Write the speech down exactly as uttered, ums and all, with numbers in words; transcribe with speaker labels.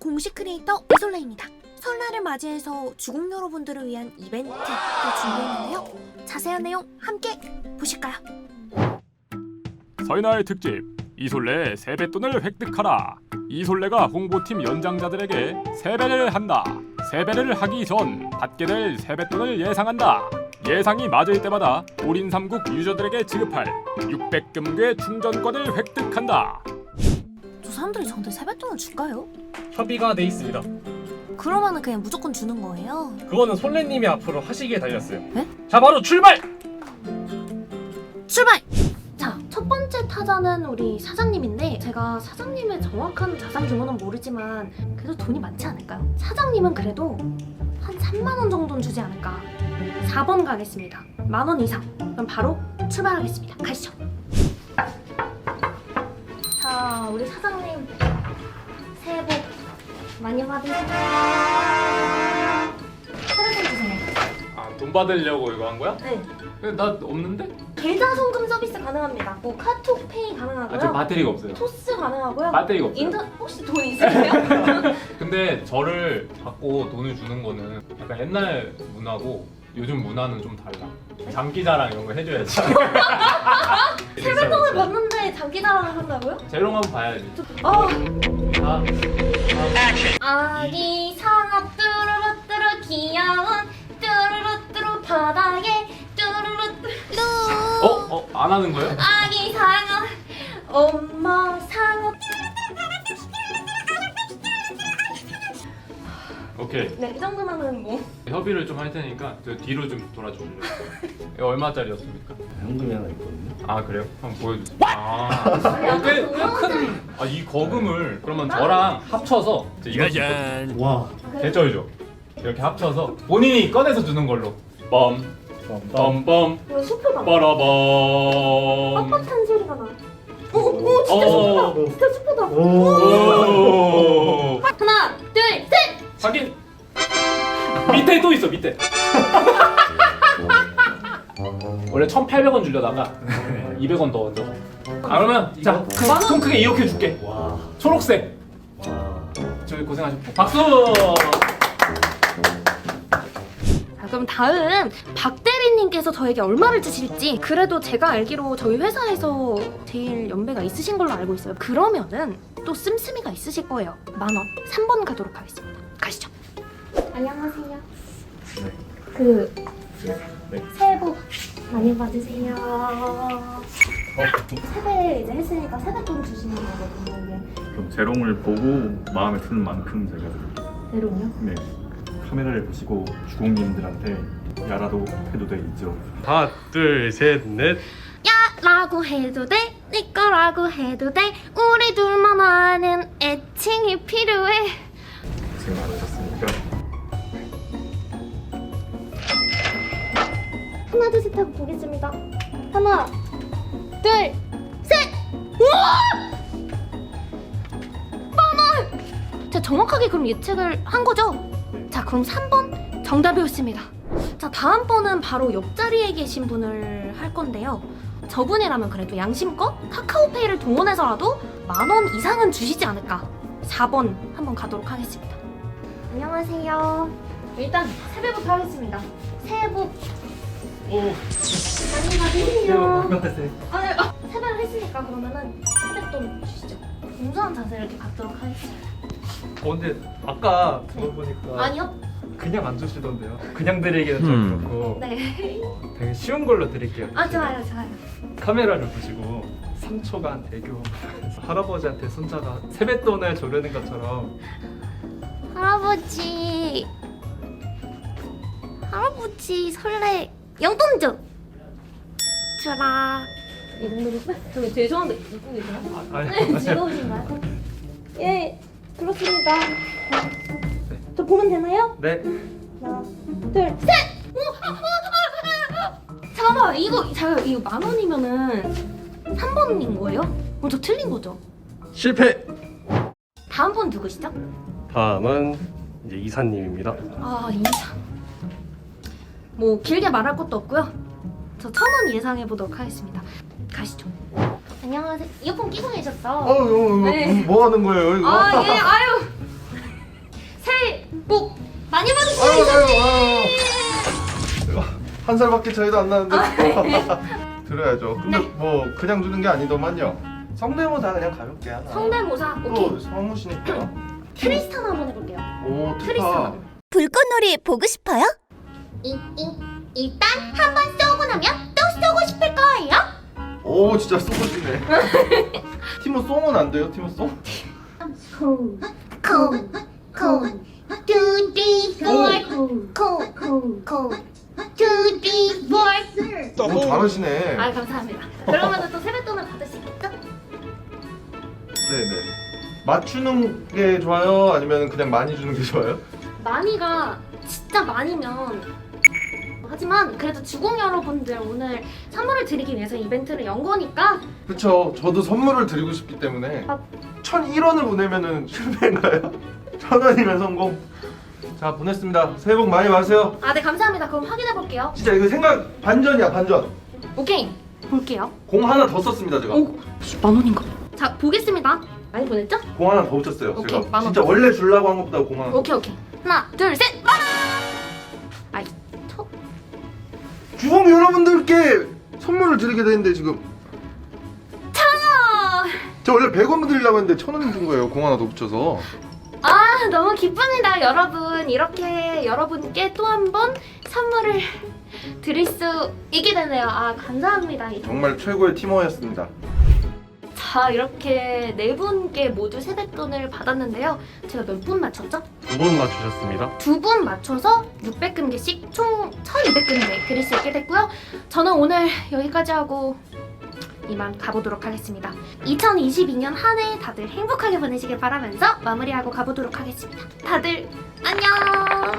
Speaker 1: 공식 크리에이터 이솔레입니다. 설날을 맞이해서 주국 여러분들을 위한 이벤트도 준비했는데요. 자세한 내용 함께 보실까요?
Speaker 2: 설날 특집 이솔레 세뱃돈을 획득하라. 이솔레가 홍보팀 연장자들에게 세배를 한다. 세배를 하기 전 받게 될 세뱃돈을 예상한다. 예상이 맞을 때마다 올인 삼국 유저들에게 지급할 육백 금괴 충전권을 획득한다.
Speaker 1: 저 사람들이 저한테 세뱃돈을 줄까요?
Speaker 3: 협의가 돼 있습니다.
Speaker 1: 그러면은 그냥 무조건 주는 거예요?
Speaker 3: 그거는 솔레님이 앞으로 하시기에 달렸어요.
Speaker 1: 네?
Speaker 3: 자, 바로 출발!
Speaker 1: 출발! 자, 첫 번째 타자는 우리 사장님인데 제가 사장님의 정확한 자산 규모는 모르지만 그래도 돈이 많지 않을까요? 사장님은 그래도 한 삼만 원 정도는 주지 않을까. 사 번 가겠습니다. 만 원 이상. 그럼 바로 출발하겠습니다. 가시죠. 자, 우리 사장님 새해 복 많이 받으세요. 세뱃돈 주세요.
Speaker 4: 아, 돈 받으려고 이거 한 거야?
Speaker 1: 네.
Speaker 4: 근데 나 없는데?
Speaker 1: 계좌 송금 서비스 가능합니다. 뭐 카톡 페이 가능하고요.
Speaker 4: 아, 저 배터리가 없어요.
Speaker 1: 토스 가능하고요.
Speaker 4: 배터리가 없어요.
Speaker 1: 인터 혹시 돈 있으세요?
Speaker 4: 근데 저를 받고 돈을 주는 거는 약간 옛날 문화고 요즘 문화는 좀 달라. 장기자랑 이런 거 해줘야지.
Speaker 1: 세뱃돈을 받는데 장기자랑을 한다고요?
Speaker 4: 재롱 한번 봐야지.
Speaker 1: 어.
Speaker 4: 다, 다.
Speaker 1: 아기 상어 뚜루루뚜루 귀여운 뚜루루뚜루 바닥에 뚜루루뚜루
Speaker 4: 어? 어? 안 하는 거예요?
Speaker 1: 아기 상어 엄마 상어.
Speaker 4: 오케이.
Speaker 1: 네, 이 정도면은 뭐
Speaker 4: 협의를 좀 할 테니까 저 뒤로 좀 돌아주실래요? 이거 얼마짜리였습니까?
Speaker 5: 현금이 하나 있거든요.
Speaker 4: 아 그래요? 한번 보여주세요. 아, 어, 꽤, 꽤 큰. 아, 이 거금을 그러면 저랑 합쳐서 이거
Speaker 5: 와.
Speaker 4: 개쩔죠? 이렇게 합쳐서 본인이 꺼내서 주는 걸로. 빰, 빰빰,
Speaker 1: 이거 수표가
Speaker 4: 빠라밤.
Speaker 1: 뻣뻣한 소리가 나. 오, 오, 진짜
Speaker 4: 어.
Speaker 1: 수표다. 진짜 수표다.
Speaker 4: 오.
Speaker 1: 하나, 둘, 셋.
Speaker 4: 확인. 밑에 또 있어 밑에. 원래 천팔백 원 주려다가 이백 원 더 얹어서. 아 그러면 자, 큰, 통 크게 이렇게 줄게.
Speaker 5: 와.
Speaker 4: 초록색.
Speaker 5: 와.
Speaker 4: 저희 고생하셨고 박수.
Speaker 1: 자, 그럼 다음 박 대리님께서 저에게 얼마를 주실지. 그래도 제가 알기로 저희 회사에서 제일 연배가 있으신 걸로 알고 있어요. 그러면은 또 씀씀이가 있으실 거예요. 만 원. 삼 번 가도록 하겠습니다. 가시죠. 안녕하세요.
Speaker 5: 네.
Speaker 1: 그
Speaker 5: 네.
Speaker 1: 새해 복 많이 받으세요. 세배 이제 했으니까 세뱃돈 주시는 거거든요. 이게
Speaker 5: 그럼 재롱을 보고 마음에 드는 만큼 제가 드릴게요.
Speaker 1: 대로요?
Speaker 5: 네. 카메라를 보시고 주공님들한테 야라도 해도 돼 있죠.
Speaker 3: 하나, 둘, 셋, 넷.
Speaker 1: 라고 해도 돼, 네 거라고 해도 돼. 우리 둘만 아는 애칭이 필요해.
Speaker 5: 고생 많으셨으니까.
Speaker 1: 하나 둘 셋 하고 보겠습니다. 하나 둘 셋. 우와! 만원! 제가 정확하게 그럼 예측을 한 거죠? 자, 그럼 삼 번 정답이었습니다. 자, 다음 번은 바로 옆자리에 계신 분을 할 건데요. 저분이라면 그래도 양심껏 카카오페이를 동원해서라도 만 원 이상은 주시지 않을까. 사 번 한번 가도록 하겠습니다. 안녕하세요. 일단 세배부터 하겠습니다. 새해 복
Speaker 3: 오.
Speaker 1: 많이 받으세요.
Speaker 3: 받으세요.
Speaker 1: 아니, 아, 세배를 했으니까 그러면은 세뱃돈 주시죠. 공손한 자세를 이렇게 갖도록 하겠습니다.
Speaker 6: 어, 근데 아까 들어보니까
Speaker 1: 아니요?
Speaker 6: 그냥 안 주시던데요. 그냥 드리기는 좀
Speaker 5: 음.
Speaker 6: 그렇고
Speaker 1: 네.
Speaker 6: 어, 되게 쉬운 걸로 드릴게요.
Speaker 1: 아, 좋아요, 좋아요.
Speaker 6: 카메라를 보시고 삼 초간 대교 할아버지한테 손자가 세뱃돈을 조르는 것처럼
Speaker 1: 할아버지. 할아버지 설레 용돈 줘. 줘라. 이 정도로 저 죄송한데 웃고 계세요?
Speaker 6: 아, 아니,
Speaker 1: 네, 즐거우신가요? 예, 그렇습니다. 저 보면 되나요?
Speaker 6: 네.
Speaker 1: 하나, 둘, 셋! 오, 아, 아, 아, 아. 잠깐만, 이거 잠깐 이거 만 원이면은 삼 번인 거예요? 어, 저 틀린 거죠?
Speaker 3: 실패.
Speaker 1: 다음 번 누구시죠?
Speaker 3: 다음은 이제 이사님입니다.
Speaker 1: 아, 이사. 뭐 길게 말할 것도 없고요. 저 천 원 예상해 보도록 하겠습니다. 가시죠. 안녕하세요. 이어폰 끼고 계셨죠?
Speaker 5: 어,
Speaker 1: 네.
Speaker 5: 뭐 하는 거예요, 이거?
Speaker 1: 아, 예, 아유. 많이
Speaker 7: 아유
Speaker 1: 받으세요.
Speaker 7: 아유 아유. 한 살밖에 차이도 안 나는데. 드려야죠. 근데
Speaker 1: 네.
Speaker 7: 뭐 그냥 주는 게 아니더만요. 성대모사 그냥 가볍게 하나.
Speaker 1: 성대모사.
Speaker 7: 또
Speaker 1: 오케이.
Speaker 7: 성우시니까.
Speaker 1: 트리스탄 한번 해볼게요.
Speaker 7: 오 트파.
Speaker 1: 트리스탄.
Speaker 8: 불꽃놀이 보고 싶어요?
Speaker 1: 이, 이, 일단 한 번 쏘고 나면 또 쏘고 싶을 거예요.
Speaker 7: 오 진짜 쏘시네. 티모 송은 안 돼요? 티모 송?
Speaker 1: 콩, 콩, 콩, two, three, four, 콩, 콩, 콩, two, three, four.
Speaker 7: 오 잘하시네.
Speaker 1: 아 감사합니다. 그러면 또 세뱃돈을 받을 수 있겠죠?
Speaker 7: 네네. 맞추는 게 좋아요? 아니면 그냥 많이 주는 게 좋아요?
Speaker 1: 많이가 진짜 많이면 하지만 그래도 주공 여러분들 오늘 선물을 드리기 위해서 이벤트를 연 거니까
Speaker 7: 그쵸. 저도 선물을 드리고 싶기 때문에
Speaker 1: 아.
Speaker 7: 천일 원을 보내면은 실패인가요? 천 원이면 성공. 자 보냈습니다. 새해 복 많이 받으세요.
Speaker 1: 아 네 감사합니다. 그럼 확인해 볼게요.
Speaker 7: 진짜 이거 생각 반전이야 반전.
Speaker 1: 오케이 볼게요.
Speaker 7: 공 하나 더 썼습니다 제가.
Speaker 1: 오, 만 원인가? 자 보겠습니다. 많이 보냈죠?
Speaker 7: 공 하나 더 붙였어요.
Speaker 1: 오케이,
Speaker 7: 제가
Speaker 1: 만 원.
Speaker 7: 진짜 원래 주려고 한 것보다 공 하나. 더.
Speaker 1: 오케이 오케이. 하나 둘 셋. 만 원. 아이 저
Speaker 7: 주공 여러분들께 선물을 드리게 되는데 지금
Speaker 1: 천 원.
Speaker 7: 저 원래 백 원 드리려고 했는데 천 원 준 거예요. 공 하나 더 붙여서.
Speaker 1: 아 너무 기쁩니다 여러분. 이렇게 여러분께 또 한 번 선물을 드릴 수 있게 되네요. 아 감사합니다.
Speaker 7: 정말 최고의 팀워였습니다.
Speaker 1: 자 이렇게 네 분께 모두 세뱃돈을 받았는데요. 제가 몇 분 맞췄죠?
Speaker 3: 두 분 맞추셨습니다.
Speaker 1: 두 분 맞춰서 육백 금괴씩 총 천이백 금괴 드릴 수 있게 됐고요. 저는 오늘 여기까지 하고 이만 가보도록 하겠습니다. 이천이십이 년 한 해 다들 행복하게 보내시길 바라면서 마무리하고 가보도록 하겠습니다. 다들 안녕.